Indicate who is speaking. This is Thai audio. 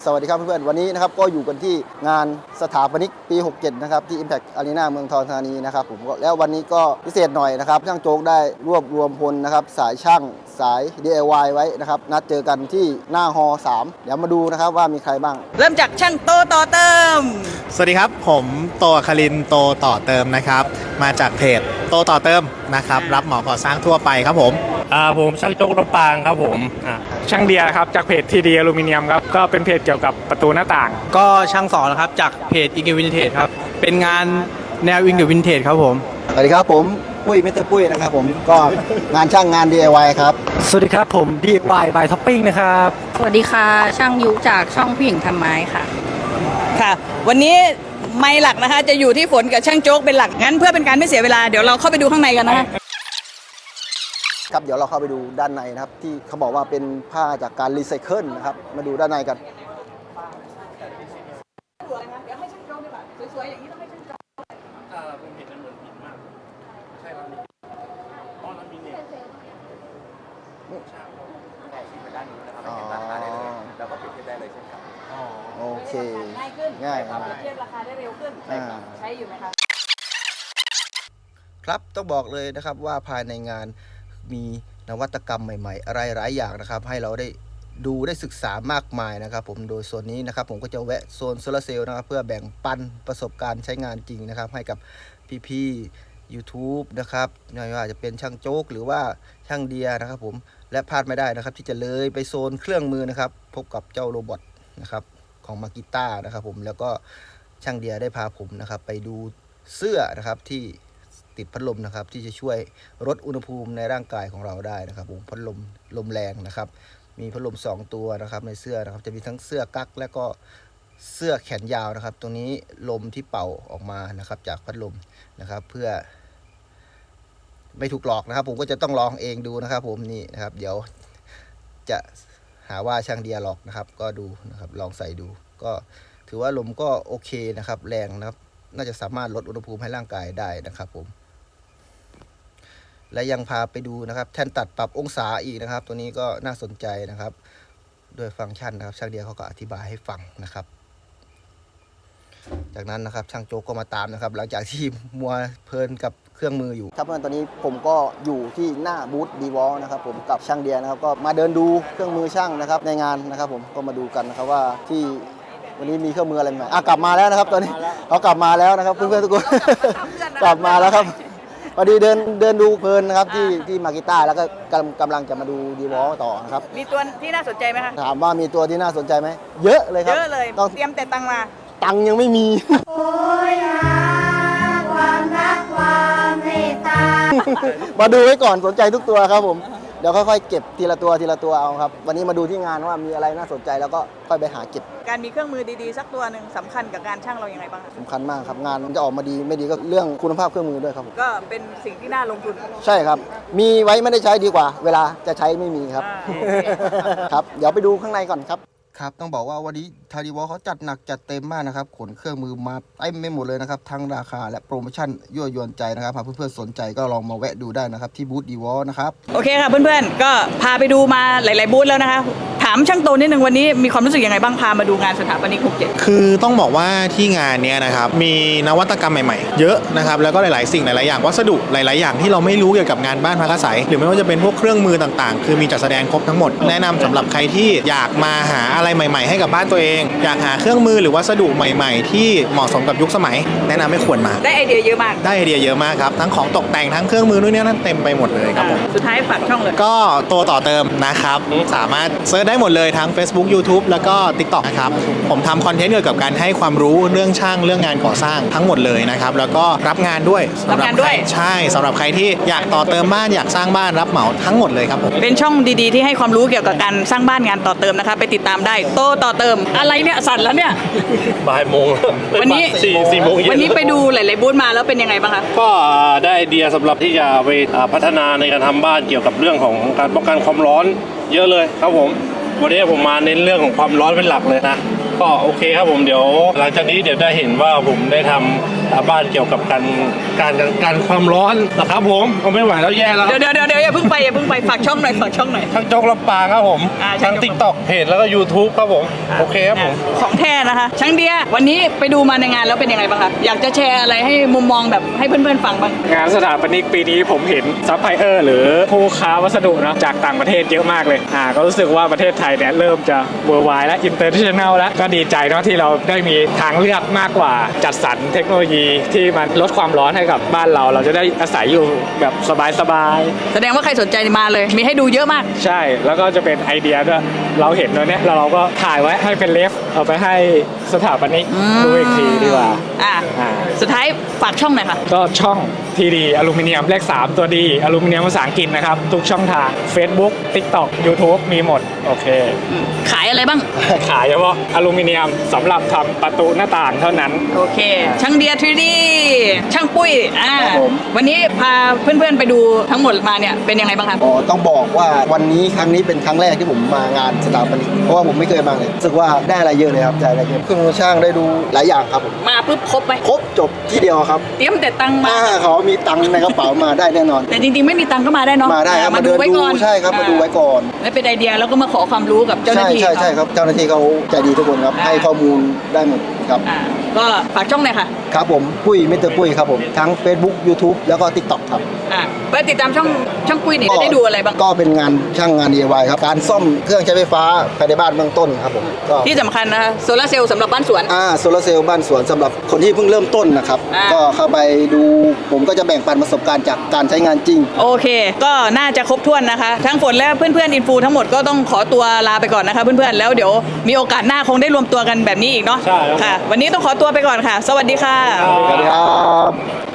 Speaker 1: สวัสดีครับเพื่อนๆวันนี้นะครับก็อยู่กันที่งานสถาปนิกปี 67 นะครับที่ Impact Arena เมืองทองธานีนะครับผมแล้ววันนี้ก็พิเศษหน่อยนะครับช่างโจ๊กได้รวบรวมพลนะครับสายช่างสาย DIY ไว้นะครับนัดเจอกันที่หน้าฮอ 3 เดี๋ยวมาดูนะครับว่ามีใครบ้าง
Speaker 2: เริ่มจากช่างโตต่อเติม
Speaker 3: สวัสดีครับผมโตอัครินทร์โตต่อเติมนะครับมาจากเพจโตต่อเติมนะครับรับเหมาก่อสร้างทั่วไปครับผม
Speaker 4: ผมช่างโจ๊กลำปางครับผมช่างเดียครับจากเพจทีดีอลูมิเนียมครับก็เป็นเพจเกี่ยวกับประตูหน้าต่าง
Speaker 5: ก็ช่างสอนนะครับจากเพจอิงเกอร์วินเทจครับเป็นงานแนวอิงเกอร์วินเทจครับผม
Speaker 1: สวัสดีครับผมปุ้ยมิสเตอร์ปุ้ยนะครับผมก็งานช่างงาน DIY ครับ
Speaker 5: สวัสดีครับผม DIY by Topping นะครับ
Speaker 6: สวัสดีค่ะช่างยุจากช่องผู้หญิงทำไม้ค่ะ
Speaker 2: ค่ะวันนี้ไม้หลักนะคะจะอยู่ที่ฝนกับช่างโจ๊กเป็นหลักงั้นเพื่อเป็นการไม่เสียเวลาเดี๋ยวเราเข้าไปดูข้างในกันนะคะ
Speaker 1: ครับเดี๋ยวเราเข้าไปดูด้านในนะครับที่เขาบอกว่าเป็นผ้าจากการรีไซเคิลนะครับมาดูด้านในกัน
Speaker 2: สวยๆอย่างนี้ต้องให้ช่างโจ๊ก
Speaker 4: ผมเห็นมันเหมือนหินมากใช่ครับอ๋อแล้วมีเนี่ยช่างเขาชี้ไปด้านนู้นนะครับเห็นราคาได้เลยแล้วก็เปรียบเทียบได้เลยเช่นกัน
Speaker 1: โอเค
Speaker 2: ง่ายขึ้น
Speaker 1: ง่าย
Speaker 2: ครับเทียบราคาได้เร็วขึ้นใช้อยู่ไหมคะ
Speaker 1: ครับต้องบอกเลยนะครับว่าภายในงานมีนวัตกรรมใหม่ๆอะไรหลายอย่างนะครับให้เราได้ดูได้ศึกษามากมายนะครับผมโดยส่วนนี้นะครับผมก็จะแวะโซนโซลาร์เซลล์นะครับเพื่อแบ่งปันประสบการณ์ใช้งานจริงนะครับให้กับพี่ๆ YouTube นะครับไม่ว่าจะเป็นช่างโจ๊กหรือว่าช่างเดียนะครับผมและพลาดไม่ได้นะครับที่จะเลยไปโซนเครื่องมือนะครับพบกับเจ้าโรบอทนะครับของมากิต้านะครับผมแล้วก็ช่างเดียได้พาผมนะครับไปดูเสื้อนะครับที่ติดพัดลมนะครับที่จะช่วยลดอุณหภูมิในร่างกายของเราได้นะครับผมพัดลมแรงนะครับมีพัดลม2ตัวนะครับในเสื้อนะครับจะมีทั้งเสื้อกั๊กและก็เสื้อแขนยาวนะครับตรงนี้ลมที่เป่าออกมานะครับจากพัดลมนะครับเพื่อไม่ถูกหลอกนะครับผมก็จะต้องลองเองดูนะครับผมนี่นะครับเดี๋ยวจะหาว่าช่างเดียหลอกนะครับก็ดูนะครับลองใส่ดูก็ถือว่าลมก็โอเคนะครับแรงนะครับน่าจะสามารถลดอุณหภูมิให้ร่างกายได้นะครับผมและยังพาไปดูนะครับแท่นตัดปรับองศาอีกนะครับตัวนี้ก็น่าสนใจนะครับด้วยฟังก์ชันนะครับช่างเดียเขาก็อธิบายให้ฟังนะครับจากนั้นนะครับช่างโจ๊กก็มาตามนะครับหลังจากที่มัวเพลินกับเครื่องมืออยู่ครับตอนนี้ผมก็อยู่ที่หน้าบูธดีวอลนะครับผมกับช่างเดียนะครับก็มาเดินดูเครื่องมือช่างนะครับในงานนะครับผมก็มาดูกันนะครับว่าที่วันนี้มีเครื่องมืออะไรใหม่กลับมาแล้วนะครับตอนนี้เขากลับมาแล้วนะครับเพื่อนๆทุกคนกลับมาแล้วครับพอดีเดินดูเพลินนะครับที่มากิต้าแล้วก็กำลังจะมาดูดีวอลต่อนะครับ
Speaker 2: มีตัวที่น่าสนใจไหมคะ
Speaker 1: ถามว่ามีตัวที่น่าสนใจไหมเยอะเลยครับ
Speaker 2: เยอะเลยต้องเตรียมแต่ตังมา
Speaker 1: ตังยังไม่มีโอ้ยความรักความเมตตามาดูไว้ก่อนสนใจทุกตัวครับผมเดี๋ยวค่อยๆเก็บทีละตัวเอาครับวันนี้มาดูที่งานว่ามีอะไรน่าสนใจแล้วก็ค่อยไปหาเก็บ
Speaker 2: การมีเครื่องมือดีๆสักตัวหนึ่งสำคัญกับการช่างเราอย่างไรบ้าง
Speaker 1: สำคัญมากครับงานมันจะออกมาดีไม่ดีก็เรื่องคุณภาพเครื่องมือด้วยครับ
Speaker 2: ก็เป็นสิ่งที่น่าลงทุน
Speaker 1: ใช่ครับมีไว้ไม่ได้ใช้ดีกว่าเวลาจะใช้ไม่มีครับครับเดี๋ยวไปดูข้างในก่อนครับครับต้องบอกว่าวันนี้ทาริวอลเขาจัดหนักจัดเต็มมากนะครับขนเครื่องมือมาเต็มไม่หมดเลยนะครับทั้งราคาและโปรโมชั่นยั่วยวนใจนะครับเพื่อนๆสนใจก็ลองมาแวะดูได้นะครับที่บูธดีวอลนะครับ
Speaker 2: โอเคค่ะเพื่อนๆก็พาไปดูมาหลายๆบูธแล้วนะคะถามช่างโตนิดนึงวันนี้มีความรู้สึกยังไงบ้างพามาดูงานสถาปนิก67
Speaker 3: คือต้องบอกว่าที่งานเนี้ยนะครับมีนวัตกรรมใหม่ๆเยอะนะครับแล้วก็หลายๆสิ่งหลายๆอย่างวัสดุหลายๆอย่างที่เราไม่รู้เกี่ยวกับงานบ้านพักอาศัยหรือไม่ว่าจะเป็นพวกเครื่องมือต่างๆคือมีจัดแสดงครบทั้งหมดแนะนำสำหรับใครที่อยากมาหาอะไรใหม่ๆให้กับบ้านตัวเองอยากหาเครื่องมือหรือวัสดุใหม่ๆที่เหมาะสมกับยุคสมัยแนะนำให้ควรมา
Speaker 2: ได้ไอเดียเยอะมาก
Speaker 3: ได้ไอเดียเยอะมากครับทั้งของตกแต่งทั้งเครื่องมือนู่นนี่นั่นเต็มไปหมดเลยครับผม
Speaker 2: สุดท้ายฝากช่องเลย
Speaker 3: ก็โตต่อเติมนะครับสามารถเซิร์ชได้หมดเลยทั้ง Facebook YouTube แล้วก็ TikTok นะครับผมทำคอนเทนต์เกี่ยวกับการให้ความรู้เรื่องช่างเรื่องงานก่อสร้างทั้งหมดเลยนะครับแล้วก็รับงานด้วย
Speaker 2: รับงานด้วย
Speaker 3: ใช่สำหรับใครที่อยากต่อเติมบ้านอยากสร้างบ้านรับเหมาทั้งหมดเลยครับผม
Speaker 2: เป็นช่องดีๆที่ให้ความรู้เกี่ยวกับการสร้างบ้านงานต่อเติมนะคะไปติดตามได้โตต่อเติมอะไรเนี่ยสั่นแล้วเนี่ย
Speaker 4: บ่ายโมง
Speaker 2: วันนี้
Speaker 4: 4 โมง
Speaker 2: วันนี้ไปดูหลายๆบูธมาแล้วเป็นยังไงบ้างคะ
Speaker 4: ก็ได้ไอเดียสำหรับที่จะไปพัฒนาในการทำบ้านเกี่ยวกับเรื่องของการป้องกันความร้อนเยอะเลยครับผมวันนี้ผมมาเน้นเรื่องของความร้อนเป็นหลักเลยนะ
Speaker 7: ก็โอเคครับผมเดี๋ยวหลังจากนี้เดี๋ยวได้เห็นว่าผมได้ทำบ้านเกี่ยวกับการความร้อนนะครับผมเอาไม่ไหวแล้วแย่แล้ว
Speaker 2: เดี๋ยวอย่าเพิ่งไปฝากช่องหน่อยฝากช่องหน่อย
Speaker 7: ทั้งโจ๊กลำปางครับผม
Speaker 2: ช่า
Speaker 7: ทั้
Speaker 2: ง
Speaker 7: ง
Speaker 2: โจ๊ก
Speaker 7: ติ๊กต็อกเพจแล้วก็ YouTube ครับผมโอเคครับผม
Speaker 2: ของแท้นะคะช่างเดียวันนี้ไปดูมาในงานแล้วเป็นยังไงบ้างคะอยากจะแชร์อะไรให้มุมมองแบบให้เพื่อนๆฟังบ้าง
Speaker 8: งานสถาปนิกปีนี้ผมเห็นซัพพลายเออร์หรือผู้ค้าวัสดุนะจากต่างประเทศเยอะมากเลยก็รู้สึกว่าประเทศไทยเนี่ยเริ่มจะเวอร์ไวและอินเตอร์เนชั่นแนลแล้วก็ดีใจเนาะที่เราได้มีทางเลือกมากกว่าจัดสรรเทคโนโลยีที่มันลดความร้อนให้กับบ้านเราจะได้อาศัยอยู่แบบสบายๆ
Speaker 2: แสดงว่าใครสนใจมาเลย มีให้ดูเยอะมาก
Speaker 8: ใช่แล้วก็จะเป็นไอเดียด้วยเราเห็นตัวเนี้ยเราก็ถ่ายไว้ให้เป็นเรฟเอาไปให้สถาปนิกดูอีกทีดีกว่า
Speaker 2: อ่ะ
Speaker 8: อ่า
Speaker 2: สุดท้ายฝากช่องหน่อยค่ะ
Speaker 8: ก็ช่องทีดีอลูมิเนียมเลข 3 ตัวดีอลูมิเนียมภาษาอังกฤษนะครับ ทุกช่องทาง Facebook TikTok YouTube มีหมด โอเค
Speaker 2: ขายอะไรบ้าง
Speaker 8: ขายเฉพาะอลูมิเนียมสำหรับทำประตูหน้าต่างเท่านั้น
Speaker 2: โอเค ช่างเดีย 3D ช่างปุ้ย
Speaker 1: ครับผม
Speaker 2: วันนี้พาเพื่อนๆไปดูทั้งหมดมาเนี่ยเป็นยังไงบ้างครับ
Speaker 1: อ๋อต้องบอกว่าวันนี้ครั้งนี้เป็นครั้งแรกที่ผมมางานสถาปนิกเพราะว่าผมไม่เคยมาเลยรู้สึกว่าได้อะไรเยอะเลยครับได้อะไรเยอะเครื่องมือช่างได้ดูหลายอย่างครับผม
Speaker 2: มาปุ๊บครบไหม
Speaker 1: ครบจบที่เดียวครับ
Speaker 2: เตรียมแต่ตังค์มา
Speaker 1: ถ้าเขามีตังค์ในกระเป๋ามาได้แน่นอน
Speaker 2: แต่จริงๆไม่มีตังค์ก็มาได้เนาะ
Speaker 1: มาได้ครับ
Speaker 2: มา
Speaker 1: มา
Speaker 2: ดู
Speaker 1: เดิน
Speaker 2: ไว้
Speaker 1: ดู
Speaker 2: ก่อน
Speaker 1: ใช่ครับมาดูไว้ก่อน
Speaker 2: และเป็นไอเดียแล้วก็มาขอความรู้กับเจ้าหน้าที่
Speaker 1: ใช่ครับเจ้าหน้าที่เขาใจดีทุกคนครับให้ข้อมูลได้หมดครับ
Speaker 2: ก็ฝากช่องหน่อยค่ะ
Speaker 1: ครับผมปุ้ยมิสเตอร์ปุ้ยครับผมทั้ง Facebook YouTube แล้วก็ TikTok ครับ
Speaker 2: ไปติดตามช่องปุ้ยนี่จะได้ดูอะไรบ้าง
Speaker 1: ก็เป็นงานช่างงาน DIY ครับการซ่อมเครื่องใช้ไฟฟ้าภายในบ้านเบื้องต้นครับผมก็
Speaker 2: ที่สำคัญนะคะโซลาร์เซลล์สำหรับบ้านสวน
Speaker 1: โซลาร์เซลล์บ้านสวนสำหรับคนที่เพิ่งเริ่มต้นนะครับ ก็เข้าไปดูผมก็จะแบ่งปันประสบการณ์จากการใช้งานจริง
Speaker 2: โอเค ก็น่าจะครบถ้วนนะคะ ทั้งฝนและเพื่อนๆอินฟูทั้งหมดก็ต้องขอตัวลาไปก่อนนะคะเพื่อนๆแล้วเดี๋ยวมีโอกาสหน้าคงได้รวมตัวกันแบบนี้อีกเนาะ
Speaker 8: ใช่ครับ
Speaker 2: ค่ะ วันนี้ต้องขอตัวไปก่อนค่ะ สวัสดีค่ะ
Speaker 1: สวัสดีครับ